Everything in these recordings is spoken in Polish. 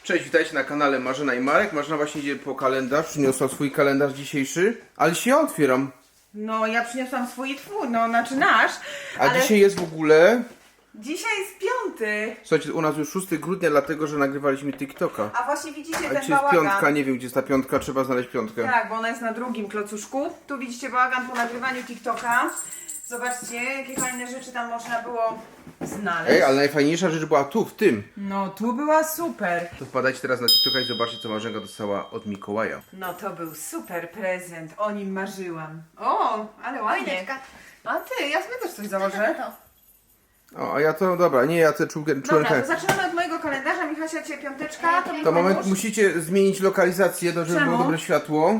Cześć, witajcie na kanale Marzena i Marek. Marzena właśnie idzie po kalendarz, przyniosła swój kalendarz dzisiejszy, ale się ja otwieram. No, ja przyniosłam swój i twój, no, znaczy nasz, A ale dzisiaj jest w ogóle... dzisiaj jest 5. Słuchajcie, u nas już 6 grudnia, dlatego że nagrywaliśmy TikToka. A właśnie widzicie A ten dzisiaj jest bałagan. piątka, nie wiem gdzie jest ta piątka, trzeba znaleźć piątkę. Tak, bo ona jest na drugim klocuszku. Tu widzicie bałagan po nagrywaniu TikToka. Zobaczcie, jakie fajne rzeczy tam można było znaleźć. Ej, ale najfajniejsza rzecz była tu, w tym. No, tu była super. To wpadajcie teraz na TikToka i zobaczcie, co Marzenka dostała od Mikołaja. No, to był super prezent, o nim marzyłam. O, ale ładnie. Choineczka. A ty, ja sobie też coś założę. O, a ja to, dobra, nie, ja to czułem Dobra, tak. to zaczynamy od mojego kalendarza. Michasia, cię piąteczka. To moment, musicie zmienić lokalizację, żeby Czemu? było dobre światło.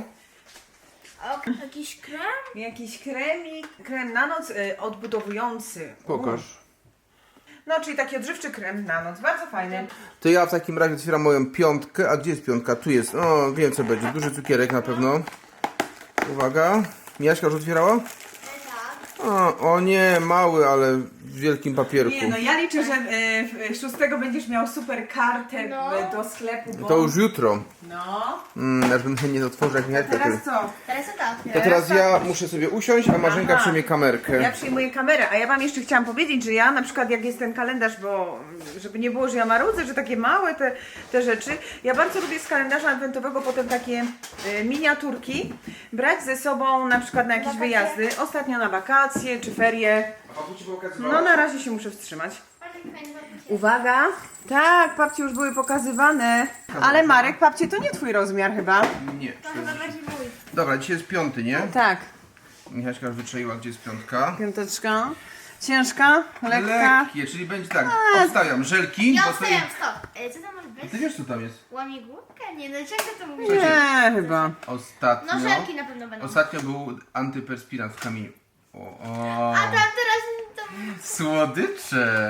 O, jakiś krem? Jakiś kremik, krem na noc odbudowujący. Pokaż. No, czyli taki odżywczy krem na noc, bardzo fajny. To ja w takim razie otwieram moją piątkę. A gdzie jest piątka? Tu jest. O, wiem co będzie. Duży cukierek na pewno. Uwaga. Miaśka już otwierała? Tak. O nie, mały, ale w wielkim papierku. Nie, no ja liczę, że 6 będziesz miał super kartę No. do sklepu, bo... To już jutro. No. Aż bym nie otworzył jak Miaśka. Teraz co? Teraz to tak. To teraz ja muszę sobie usiąść, a Marzenka Aha. przejmie kamerkę. Ja przyjmuję kamerę, a ja wam jeszcze chciałam powiedzieć, że ja na przykład jak jest ten kalendarz, bo żeby nie było, że ja marudzę, że takie małe te rzeczy, ja bardzo lubię z kalendarza adwentowego potem takie miniaturki brać ze sobą na przykład na jakieś Wakacje? wyjazdy, ostatnio na wakacje czy ferie. No na razie się muszę wstrzymać. Uwaga! Tak, papcie już były pokazywane. Ale Marek, papcie to nie twój rozmiar chyba. Nie. To chyba bardziej mój. Dobra, dzisiaj jest piąty, nie? Tak. Michaśka już wyczaiła, gdzie jest piątka. Piąteczka. Ciężka, lekka. Lekkie, czyli będzie tak. Obstawiam żelki. Ja bo obstawiam, sobie- stop. Co tam może być? Ty wiesz co tam jest? Łamigłówka? Nie, no czego to mówi? Nie, chyba. Ostatnio. No żelki na pewno będą. Ostatnio był antyperspirant w kamieniu. O. A tam teraz to... Słodycze.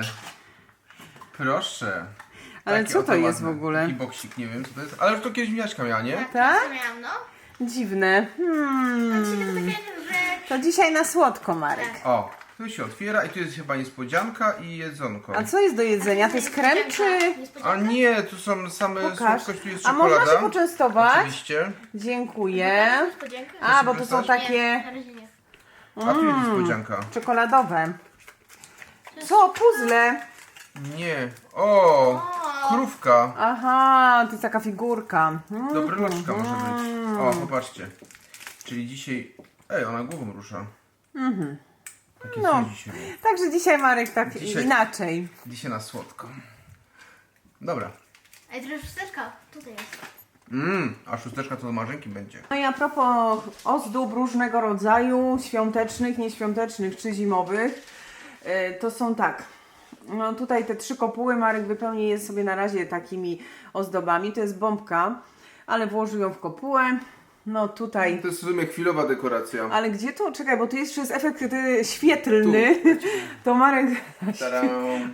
Proszę. Ale Taki co to oto jest ładny. w ogóle? Taki boksik, nie wiem co to jest. Ale już to kiedyś Miaśka miała, nie? Tak? to miałam, no. Dziwne. Czyli to takie, że... To dzisiaj na słodko, Marek. O, tu się otwiera i tu jest chyba niespodzianka i jedzonko. A co jest do jedzenia? To jest krem czy... A nie, tu są same Pokaż. słodkość, tu jest A czekolada. można się poczęstować? Oczywiście. Dziękuję. Niespodzianka? A, bo to są Nie, takie na razie nie. A tu jest niespodzianka. czekoladowe. Co? Puzzle? Nie. O, krówka. Aha, to jest taka figurka. Dobryloczka może być. O, popatrzcie. Czyli dzisiaj... Ej, ona głową rusza. Takie No. coś dzisiaj było. Także dzisiaj Marek tak Dzisiaj- inaczej. Dzisiaj na słodko. Dobra. Ej, to jest szósteczka. Tutaj jest. A szósteczka to do Marzenki będzie. No i a propos ozdób różnego rodzaju, świątecznych, nieświątecznych czy zimowych, to są tak. No tutaj te 3 kopuły Marek wypełni je sobie na razie takimi ozdobami. To jest bombka, ale włożył ją w kopułę. No tutaj. To jest w sumie chwilowa dekoracja. Ale gdzie to? Czekaj, bo tu jest jeszcze efekt świetlny. To Marek... Tadam.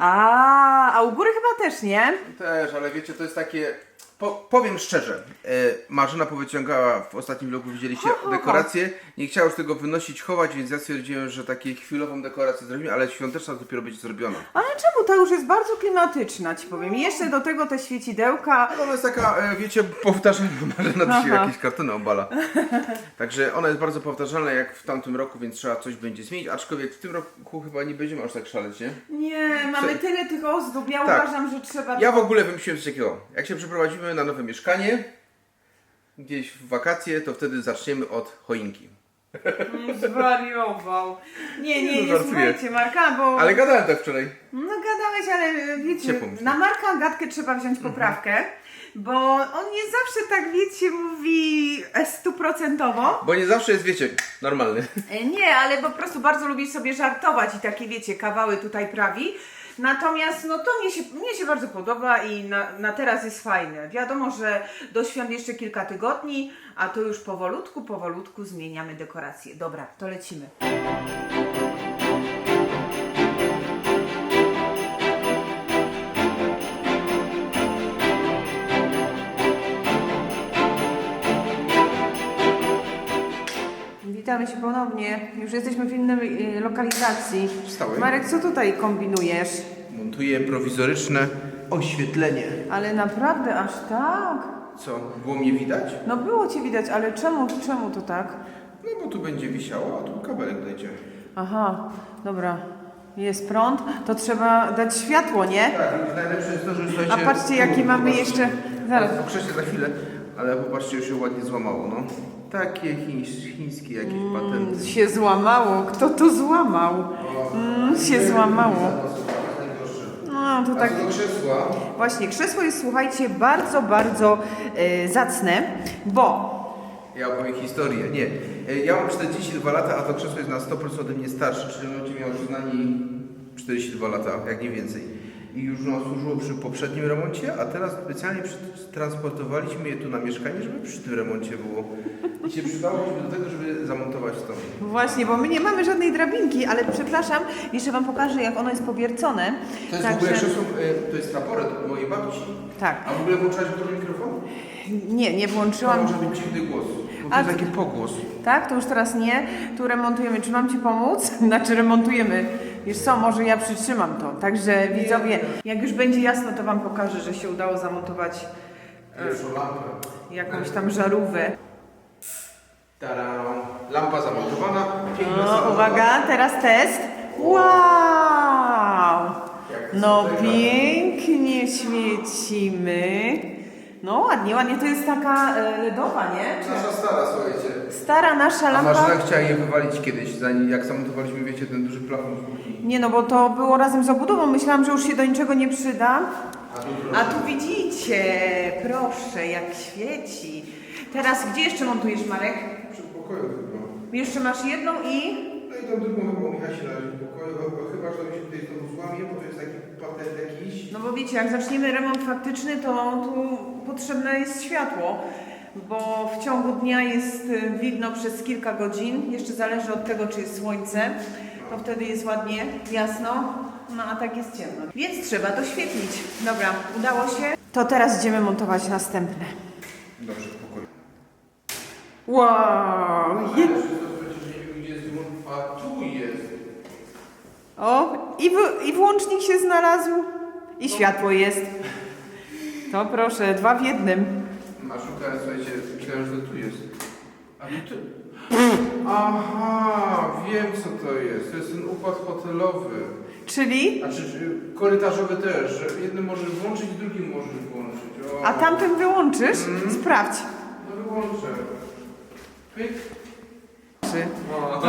A u góry chyba też, nie? Też, ale wiecie, to jest takie... Powiem szczerze, Marzena powyciągała w ostatnim vlogu, widzieliście dekoracje, nie chciała już tego wynosić, chować, więc ja stwierdziłem, że takie chwilową dekorację zrobimy, ale świąteczna dopiero będzie zrobiona. Ale czemu? Ta już jest bardzo klimatyczna, ci powiem. I jeszcze do tego te świecidełka. Ale ona jest taka, wiecie, powtarzalna, Marzena dzisiaj Aha. jakieś kartony obala. Także ona jest bardzo powtarzalna jak w tamtym roku, więc trzeba coś będzie zmienić, aczkolwiek w tym roku chyba nie będziemy aż tak szaleć, nie? Nie, mamy tyle tych ozdób. Ja Tak. uważam, że trzeba... Ja w ogóle wymyśliłem coś takiego, jak się przeprowadzimy na nowe mieszkanie, gdzieś w wakacje, to wtedy zaczniemy od choinki. Zwariował. Nie, No, nie żartuję. słuchajcie Marka, bo... Ale gadałem tak wczoraj. No gadałeś, ale wiecie, Ciepło mi się. na Marka gadkę trzeba wziąć poprawkę, bo on nie zawsze tak, wiecie, mówi 100%. Bo nie zawsze jest, wiecie, normalny. Nie, ale po prostu bardzo lubi sobie żartować i takie, wiecie, kawały tutaj prawi. Natomiast no to mnie się bardzo podoba i na teraz jest fajne. Wiadomo, że do świąt jeszcze kilka tygodni, a to już powolutku zmieniamy dekoracje. Dobra, to lecimy. Witamy się ponownie. Już jesteśmy w innej lokalizacji. Wstałem. Marek, co tutaj kombinujesz? Montuję prowizoryczne oświetlenie. Ale naprawdę aż tak? Co, było mnie widać? No było Cię widać, ale czemu to tak? No bo tu będzie wisiało, a tu kabelek dojdzie. Aha, dobra. Jest prąd, to trzeba dać światło, nie? Tak, i najlepsze jest to, że słuchajcie... A patrzcie, jakie mamy jeszcze... Zaraz. Pokrzeście za chwilę, ale popatrzcie, już się ładnie złamało, no. Takie chińskie jakieś patenty. Się złamało. Kto to złamał? Się złamało. No, to A tak... co do krzesła? Właśnie, krzesło jest, słuchajcie, bardzo, bardzo zacne, bo... Ja opowiem historię. Nie. Ja mam 42 lata, a to krzesło jest na 100% ode mnie starsze, czyli ono będzie miało przynajmniej 42 lata, jak nie więcej. I już ono służyło przy poprzednim remoncie, a teraz specjalnie transportowaliśmy je tu na mieszkanie, żeby przy tym remoncie było. I się przydało do tego, żeby zamontować to. Właśnie, bo my nie mamy żadnej drabinki, ale przepraszam, jeszcze Wam pokażę, jak ono jest powiercone. To jest w ogóle krzesło, to jest traporet od mojej babci. Tak. A w ogóle włączałeś w mikrofon? Nie To włączyłam. może być dziwny głos, bo to A jest ty- taki pogłos. Tak, to już teraz nie. Tu remontujemy. Czy mam Ci pomóc? Znaczy remontujemy. Wiesz co, może ja przytrzymam to. Także widzowie, jak już będzie jasno, to Wam pokażę, że się udało zamontować Pierwszą lampę. jakąś tam żarówkę. Tada! Lampa zamontowana. Piękna No, salonowa. uwaga, teraz test. Wow! No pięknie świecimy. No ładnie, ładnie. To jest taka LEDowa, nie? Nasza stara, słuchajcie. Stara nasza A lampa. Marzena chciała je wywalić kiedyś, zanim jak zamontowaliśmy, wiecie, ten duży plafon w kuchni. Nie no, bo to było razem z obudową. Myślałam, że już się do niczego nie przyda. A A tu widzicie, proszę, jak świeci. Teraz gdzie jeszcze montujesz, Marek? przy pokoju chyba. Jeszcze masz jedną i... No i tą drugą chyba u Michasia na razie w pokoju, chyba że to mi się tutaj znowu złamie, bo to jest taki patent jakiś. No bo wiecie, jak zaczniemy remont faktyczny, to tu potrzebne jest światło, bo w ciągu dnia jest widno przez kilka godzin. Jeszcze zależy od tego, czy jest słońce. To wtedy jest ładnie, jasno, no a tak jest ciemno. Więc trzeba doświetlić. Dobra, udało się. To teraz idziemy montować następne. Dobrze, w pokoju. Wow! Ale jeszcze to przecież nie wiem, gdzie jest dymon, a tu jest. O, i włącznik się znalazł, i światło jest. To proszę, dwa w jednym. Maszuka, słuchajcie, myślałem, że to tu jest. A tu... Aha, wiem co to jest. To jest ten układ hotelowy. Czyli? Znaczy korytarzowy też, że jednym możesz włączyć, drugim możesz włączyć. O. A tamten wyłączysz? Sprawdź. No wyłączę. Pyk. O.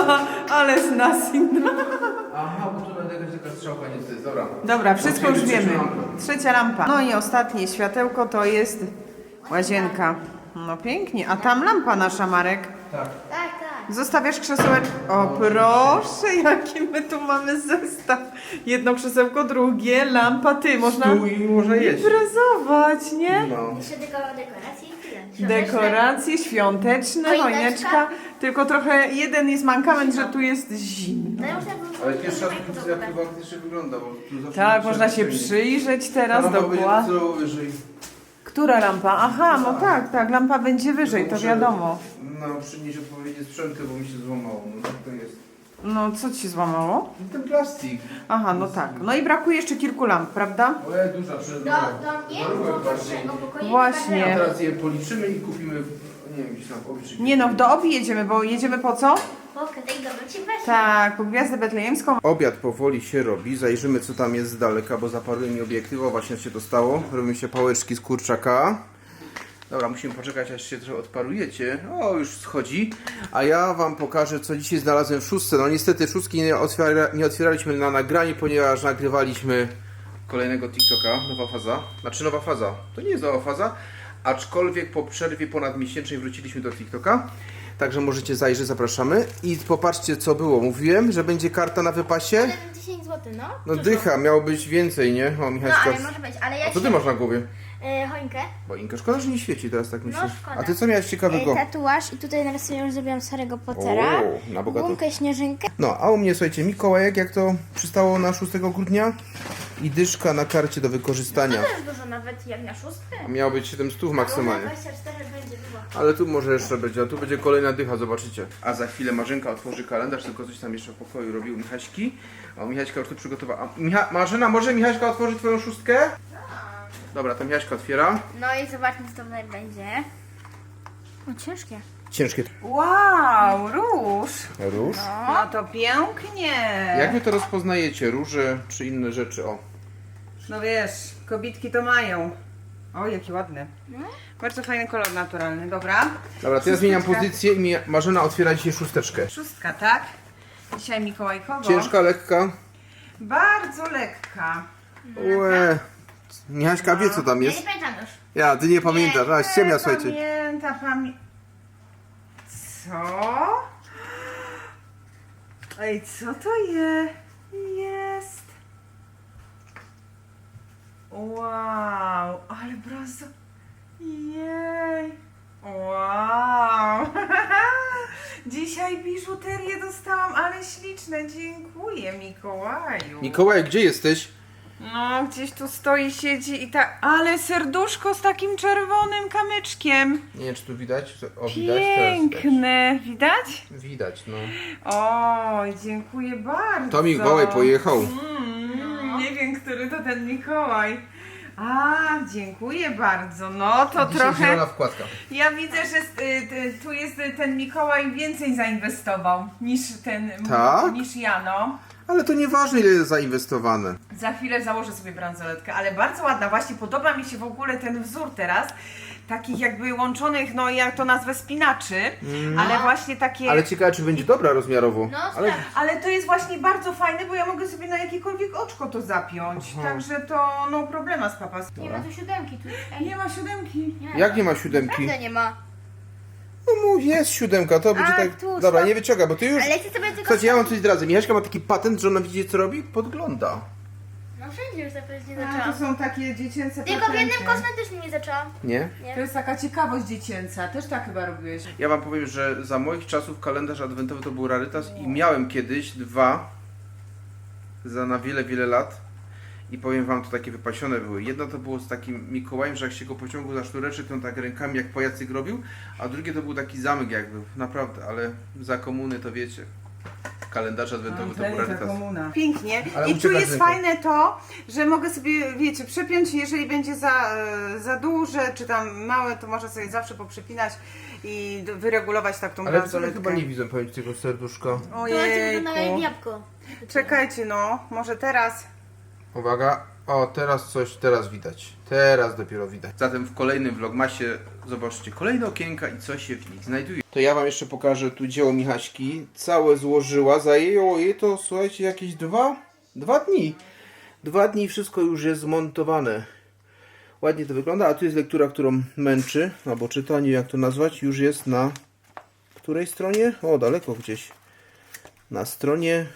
Ale z nas inna. Aha, bo tu będzie jakaś taka strzałka niestety. Dobra. Dobra, wszystko już Otwieramy wiemy. trzecią lampę. Trzecia lampa. No i ostatnie światełko to jest łazienka. No pięknie. A tam lampa nasza, Marek. Tak. Tak, tak. Zostawiasz krzesełeczko. O proszę, jaki my tu mamy zestaw. Jedno krzesełko, drugie, lampa, ty. Można Stół i można jeść. imprezować, nie? No. Jeszcze tylko dekoracje i tyle. Świąteczne. Dekoracje świąteczne, Choineczka. choineczka. Tylko trochę jeden jest mankament, że tu jest zimno. No ja muszę było- Ale pierwszy raz muszę widzę, jak było- to faktycznie wygląda, bo tu zawsze... Tak, można się przyjrzeć teraz dokładnie. Co wyżej. Która lampa? Aha, no tak, tak, lampa będzie wyżej, to Muszę, wiadomo. No, przynieść odpowiednie sprzęty, bo mi się złamało. No tak to jest. No, co ci złamało? I ten plastik. Aha, no tak. No i brakuje jeszcze kilku lamp, prawda? Ojej, duża przed Do mnie, do naszego pokoju. Właśnie. A teraz je policzymy i kupimy, nie wiem, gdzieś tam obliczyć. Nie no, do Obi jedziemy, bo jedziemy po co? Okej, dobra, ci weź. Tak, po Gwiazdę Betlejemską. Obiad powoli się robi, zajrzymy co tam jest z daleka, bo zaparuje mi obiektyw, o właśnie się to stało. Robią się pałeczki z kurczaka. Dobra, musimy poczekać aż się trochę odparujecie. O, już schodzi. A ja wam pokażę co dzisiaj znalazłem w szóstce. No niestety szóstki nie otwieraliśmy na nagranie, ponieważ nagrywaliśmy kolejnego TikToka, nowa faza. Znaczy nowa faza, to nie jest nowa faza, aczkolwiek po przerwie ponadmiesięcznej wróciliśmy do TikToka. Także możecie zajrzeć, zapraszamy. I popatrzcie co było. Mówiłem, że będzie karta na wypasie. Ale 10 zł, no. No Dużo. dycha, miało być więcej, nie? O, No Michaśka. ale może być, ale ja A co ty masz na głowie? choinkę. Boinka, szkoda, że nie świeci teraz tak myślisz. szkoda. A ty co miałeś ciekawego? Tatuaż i tutaj na sobie już zrobiłam Harry'ego Pottera. O, na bogato. Gumkę, śnieżynkę. No, a u mnie, słuchajcie, Mikołajek, jak to przystało na 6 grudnia i dyszka na karcie do wykorzystania. To też dużo nawet jak na szóstkę. A miało być 700 maksymalnie. 24 będzie dużo. Ale tu może jeszcze będzie, a tu będzie kolejna dycha, zobaczycie. A za chwilę Marzenka otworzy kalendarz, tylko coś tam jeszcze w pokoju robił Michaśki. A Michaśka już tu przygotowała. A Marzena, może Michaśka otworzy twoją szóstkę? No Dobra, tam Jaśka otwiera. No i zobaczmy, co to tutaj będzie. O, ciężkie. Ciężkie. Wow, róż. Róż? No to pięknie. Jak wy to rozpoznajecie? Róże czy inne rzeczy? O. No wiesz, kobitki to mają. O, jaki ładny. Bardzo fajny kolor naturalny, dobra. Dobra, to ja zmieniam Szósteczka. pozycję i Marzena otwiera dzisiaj szósteczkę. Szóstka, tak? Dzisiaj mikołajkowo. Ciężka, lekka. Bardzo lekka. Łe. Michaśka wie co tam Ja jest. nie pamiętam już. Ja, ty nie pamiętasz. A, ściemnia, słuchajcie. Co? Ej, co to jest? Wow, ale brazo. Jej. Wow. Dzisiaj biżuterię dostałam, ale śliczne. Dziękuję, Mikołaju. Mikołaj, gdzie jesteś? No, gdzieś tu stoi, siedzi i tak. Ale serduszko z takim czerwonym kamyczkiem. Nie wiem, czy tu widać. O, widać teraz. Piękne. Widać? Widać, no. Oj, dziękuję bardzo. To Mikołaj pojechał. Nie wiem, który to ten Mikołaj. A, dziękuję bardzo. No to Dzisiaj trochę. zielona wkładka. Ja widzę, że tu jest ten Mikołaj więcej zainwestował niż ten. Tak? Niż ja, no. Ale to nieważne, ile jest zainwestowane. Za chwilę założę sobie bransoletkę, ale bardzo ładna. Właśnie podoba mi się w ogóle ten wzór teraz. Takich jakby łączonych, no jak to nazwę, spinaczy, ale właśnie takie... Ale ciekawe, czy będzie dobra rozmiarowo. No, Ale sprawdź. Ale to jest właśnie bardzo fajne, bo ja mogę sobie na jakiekolwiek oczko to zapiąć. Także to no problema z papas. Nie ma tu siódemki. Tu. Ej, Nie ma siódemki. nie ma. jak nie ma siódemki? Prawda nie ma. No jest siódemka, to będzie A, tak... tu, Dobra, stop. nie wyciąga, bo ty już... Ale chcę sobie tylko... Słuchajcie, ja wam coś zdradzę. Michaśka ma taki patent, że ona widzi co robi? Podgląda. No wszędzie już zapewne nie A, zaczęłam. to są takie dziecięce Tylko w jednym patenty. kosmetycznym nie zaczęłam. Nie? To jest taka ciekawość dziecięca. Też tak chyba robiłeś. Ja wam powiem, że za moich czasów kalendarz adwentowy to był rarytas i miałem kiedyś dwa na wiele, wiele lat i powiem wam, to takie wypasione były. Jedno to było z takim Mikołajem, że jak się go pociągło za sznureczek, to on tak rękami jak pajacyk robił, a drugie to był taki zamek jakby, naprawdę, ale za komuny to wiecie. Kalendarz adwentowy to był rarytas. Pięknie. Ale I tu uciekasz jest ręką. fajne to, że mogę sobie, wiecie, przepiąć, jeżeli będzie za duże, czy tam małe, to można sobie zawsze poprzepinać i wyregulować tak tą Ale wcale bransoletkę. chyba nie widzę powiem ci tego serduszka. To będzie wyglądało jak Ojejku. jabłko. Czekajcie no, może teraz. Uwaga, o teraz widać. Teraz dopiero widać. Zatem w kolejnym vlogmasie zobaczcie kolejne okienka i co się w nich znajduje. To ja wam jeszcze pokażę tu dzieło Michaśki. Całe złożyła, zajęło jej to, słuchajcie, jakieś dwa dni. 2 dni i wszystko już jest zmontowane. Ładnie to wygląda, a tu jest lektura, którą męczy, albo czytanie, jak to nazwać, już jest na której stronie? O, daleko gdzieś. Na stronie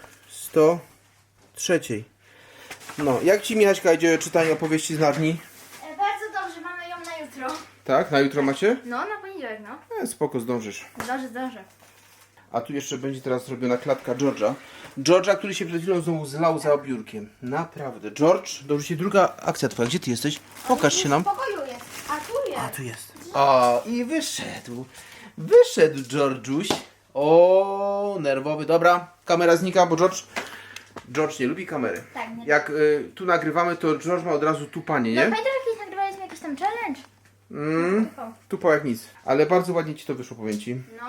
103. No, jak ci Michaśka idzie czytanie opowieści z Narni? Bardzo dobrze, mamy ją na jutro. Tak, na jutro macie? No, na poniedziałek, no. Spoko, zdążysz. Zdążę. A tu jeszcze będzie teraz zrobiona klatka George'a. George'a, który się przed chwilą znowu zlał za biurkiem. Naprawdę. George, dobrze się druga akcja twoja. Gdzie ty jesteś? Pokaż się nam. W pokoju jest. A tu jest. A, tu jest. O, i wyszedł. Wyszedł George'uś. O, nerwowy. Dobra, kamera znika, bo George nie lubi kamery. Tak, nie. Jak tu nagrywamy, to George ma od razu tupanie, No nie? pamiętasz, jakiś nagrywaliśmy jakiś tam challenge? Tupał jak nic. Ale bardzo ładnie ci to wyszło, powiem ci. No.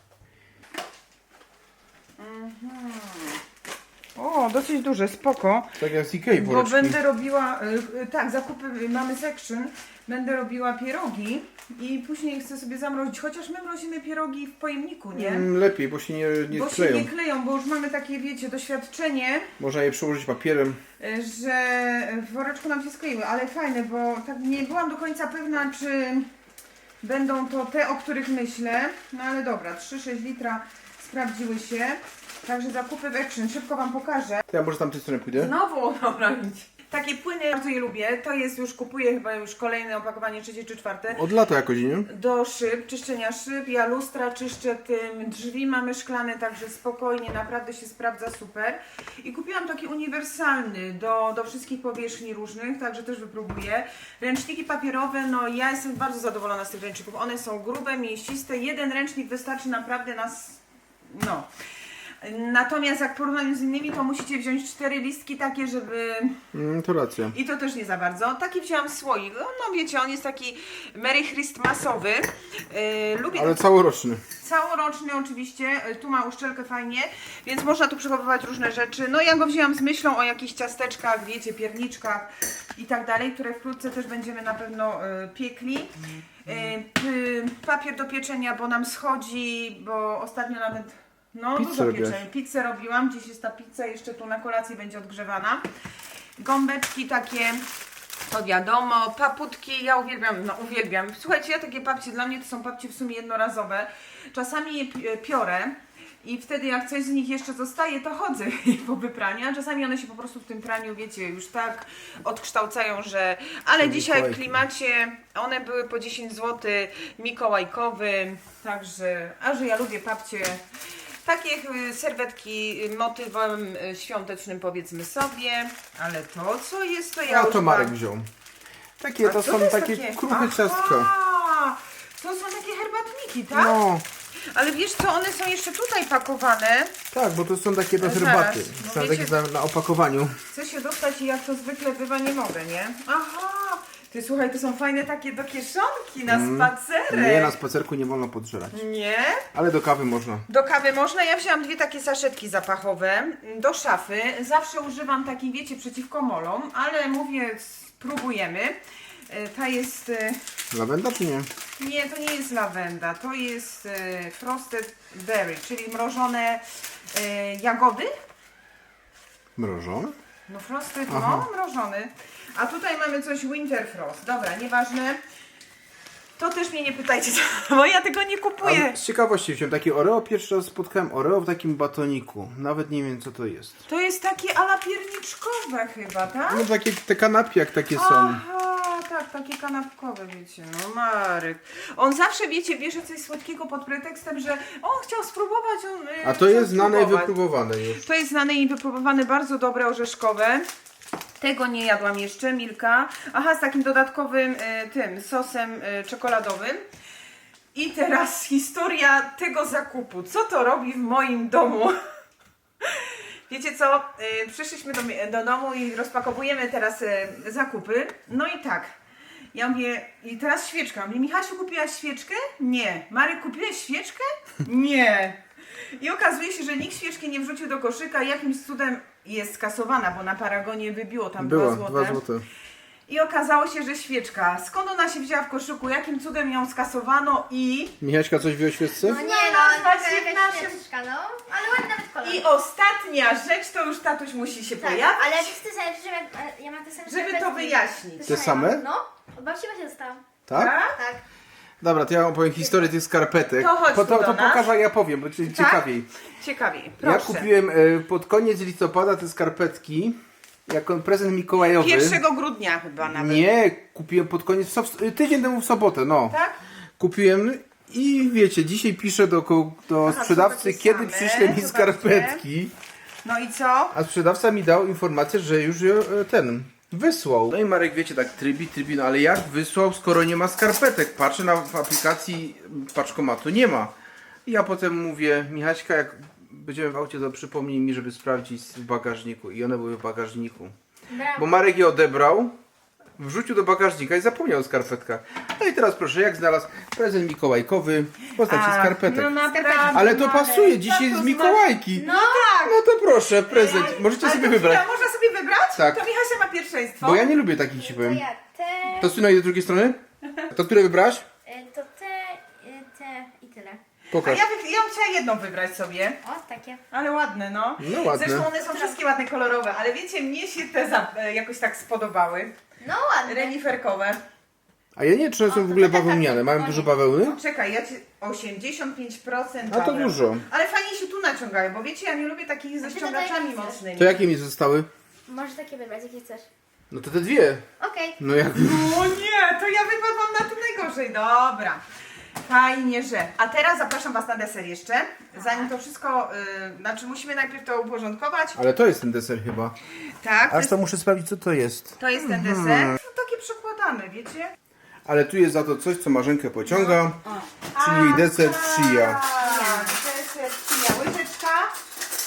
O, dosyć duże, spoko. Tak jak z Ikei Bo woreczki. będę robiła, tak, zakupy, mamy section, będę robiła pierogi i później chcę sobie zamrozić, chociaż my mrozimy pierogi w pojemniku, nie? Lepiej, bo się nie Bo skleją. się nie kleją, bo już mamy takie, wiecie, doświadczenie, Można je przełożyć papierem. że w woreczku nam się skleiły, ale fajne, bo tak nie byłam do końca pewna, czy będą to te, o których myślę, no ale dobra, 3,6 litra sprawdziły się, także zakupy w Action, szybko Wam pokażę. To ja może tam tej strony pójdę. Znowu, dobra, idź. Takie płyny, bardzo je lubię, to jest już, kupuję chyba już kolejne opakowanie, 3. czy 4. Od lata jakoś, nie? Do szyb, czyszczenia szyb, ja lustra czyszczę tym, drzwi mamy szklane, także spokojnie, naprawdę się sprawdza super. I kupiłam taki uniwersalny do wszystkich powierzchni różnych, także też wypróbuję. Ręczniki papierowe, no ja jestem bardzo zadowolona z tych ręczników, one są grube, mięsiste, jeden ręcznik wystarczy naprawdę nas, no. Natomiast jak porównaniu z innymi, to musicie wziąć 4 listki takie, żeby... To racja. I to też nie za bardzo. Taki wzięłam słoik. No wiecie, on jest taki Merry Christmasowy. Lubię Ale całoroczny. całoroczny oczywiście. Tu ma uszczelkę fajnie, więc można tu przechowywać różne rzeczy. No ja go wzięłam z myślą o jakichś ciasteczkach, wiecie, pierniczkach i tak dalej, które wkrótce też będziemy na pewno piekli. Papier do pieczenia, bo nam schodzi, bo ostatnio nawet Pizzę dużo robiłaś. pieczeń. Pizzę robiłam, dziś jest ta pizza, jeszcze tu na kolację będzie odgrzewana. Gąbeczki takie, to wiadomo, paputki, ja uwielbiam. Słuchajcie, ja takie papcie, dla mnie to są papcie w sumie jednorazowe. Czasami je piorę i wtedy jak coś z nich jeszcze zostaje, to chodzę po wypraniu, a czasami one się po prostu w tym praniu, wiecie, już tak odkształcają, że... Ale dzisiaj w klimacie one były po 10 zł mikołajkowy, także, a że ja lubię papcie... Takie serwetki motywem świątecznym, powiedzmy sobie, ale to co jest, to ja A już to Marek mam. wziął. Takie A to co są jest takie kruche ciastka. Aha, to są takie herbatniki, tak? No, Ale wiesz co, one są jeszcze tutaj pakowane. tak, bo to są takie do Zaraz, herbaty. no Są wiecie- takie na opakowaniu. Chcę się dostać i jak to zwykle bywa, nie mogę, nie? Aha, ty słuchaj, to są fajne takie do kieszonki na spacerek. Nie, na spacerku nie wolno podżerać. Nie? Ale do kawy można. Do kawy można. Ja wzięłam 2 takie saszetki zapachowe do szafy. Zawsze używam takich, wiecie, przeciwko molom, ale mówię, spróbujemy. Ta jest... Lawenda czy nie? Nie, to nie jest lawenda, to jest frosted berry, czyli mrożone jagody. Mrożone? No frosted, Aha. no mrożony. A tutaj mamy coś winter frost. Dobra, nieważne. To też mnie nie pytajcie, bo ja tego nie kupuję. A z ciekawości wziąłem takie Oreo. Pierwszy raz spotkałem Oreo w takim batoniku. Nawet nie wiem co to jest. To jest takie ala pierniczkowe chyba, tak? No takie te kanapki jak takie są. Aha, tak, takie kanapkowe, wiecie, no Marek. On zawsze, wiecie, bierze coś słodkiego pod pretekstem, że on chciał spróbować. A to jest znane i wypróbowane już. To jest znane i wypróbowane, bardzo dobre, orzeszkowe. Tego nie jadłam jeszcze, Milka. Aha, z takim dodatkowym tym sosem czekoladowym. I teraz historia tego zakupu. Co to robi w moim domu? Wiecie co? Przyszliśmy do domu i rozpakowujemy teraz zakupy. No i tak. Ja mówię, i teraz świeczka. Mówię, Michasiu, kupiłaś świeczkę? Nie. Marek, kupiłeś świeczkę? Nie. I okazuje się, że nikt świeczki nie wrzucił do koszyka. Jakimś cudem jest skasowana, bo na Paragonie wybiło tam 2 Była, złote. 2 złote. I okazało się, że świeczka. Skąd ona się wzięła w koszyku? Jakim cudem ją skasowano i... Michaśka coś wie o świeczce? No nie, no, Znalazła się w jakaś naszym- świeczka, no. Ale ładny nawet kolor. I ostatnia rzecz, to już tatuś musi się tak, pojawić. ale wiesz ty sobie, że ja mam te same Żeby to skarpetki. wyjaśnić. Te same? No, od babci właśnie dostałam. Tak? Tak. Dobra, to ja wam powiem historię tych skarpetek. To chodź tu do to nas. pokażę, ja powiem, bo ciekawiej. Ciekawiej, Ja proszę. kupiłem pod koniec listopada te skarpetki jako prezent mikołajowy. 1 grudnia chyba nawet. Nie, kupiłem pod koniec, tydzień temu w sobotę, no. Tak? Kupiłem i wiecie, dzisiaj piszę do Aha, sprzedawcy, są takie kiedy same, przyśle mi zobaczcie. skarpetki. No i co? A sprzedawca mi dał informację, że już ten wysłał. No i Marek, wiecie, tak trybi, no ale jak wysłał, skoro nie ma skarpetek? Patrzę w aplikacji paczkomatu, nie ma. I ja potem mówię, Michaśka, jak będziemy w aucie, to przypomnij mi, żeby sprawdzić w bagażniku. I one były w bagażniku. Brawo. Bo Marek je odebrał, wrzucił do bagażnika i zapomniał o skarpetkach. No i teraz proszę, jak znalazł prezent mikołajkowy w postaci skarpetek. No naprawdę. Ale to Marek, pasuje, dzisiaj co to z Mikołajki. No tak. No to proszę, prezent. Możecie Ale sobie to wybrać. chwila, można sobie wybrać? Tak. To Michasia ma pierwszeństwo. Bo ja nie lubię takich, ci to powiem. ja te, To Syno, idę z drugiej strony? To które wybrałaś? to te i tyle. A Pokaż. ja bym chciała jedną wybrać sobie. O, takie. Ale ładne, no. No ładne. Zresztą one są wszystkie ładne, kolorowe, ale wiecie, mnie się te jakoś tak spodobały. No ładne. Reniferkowe. A ja nie wiem, czy one są w ogóle to taka- bawełniane. Mają dużo bawełny? Czekaj, ja ci 85% A to baweł. dużo. Ale fajnie się tu naciągają, bo wiecie, ja nie lubię takich ze ty ściągaczami dodaj mocnymi. To jakie mi zostały? Możesz takie wybrać, jakie chcesz. No to te dwie. Okej. No jak... O nie, to ja wypadłam na to najgorzej. Dobra. Fajnie, że. A teraz zapraszam Was na deser jeszcze. Zanim to wszystko, znaczy musimy najpierw to uporządkować. Ale to jest ten deser chyba. Tak, Aż to muszę sprawdzić, co to jest. to jest ten deser. No, takie przekładane, wiecie? Ale tu jest za to coś, co Marzenkę pociąga. Czyli jej deser chia. Deser chia. Łyżeczka.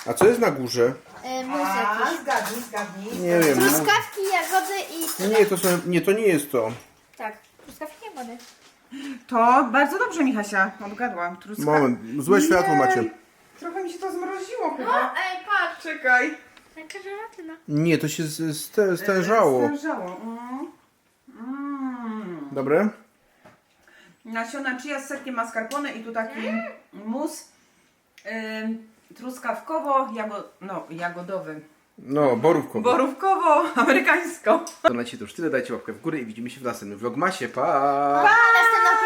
A co jest na górze? Mus jakiś. Zgadnij. Nie wiem. Truskawki, jagody i... Nie, to nie jest to. Tak, truskawki, jagody. To bardzo dobrze, Michasia, odgadła. Moment, złe światło macie. Trochę mi się to zmroziło chyba. Ej, patrz. Czekaj. Taka żelatyna. Nie, to się stężało. Stężało. Dobre? Nasiona chia z serkiem mascarpone i tu taki mus truskawkowo-jagodowy. No, borówkowo. Borówkowo-amerykańsko. To na dzisiaj to już tyle, dajcie łapkę w górę i widzimy się w następnym vlogmasie. Pa! Następną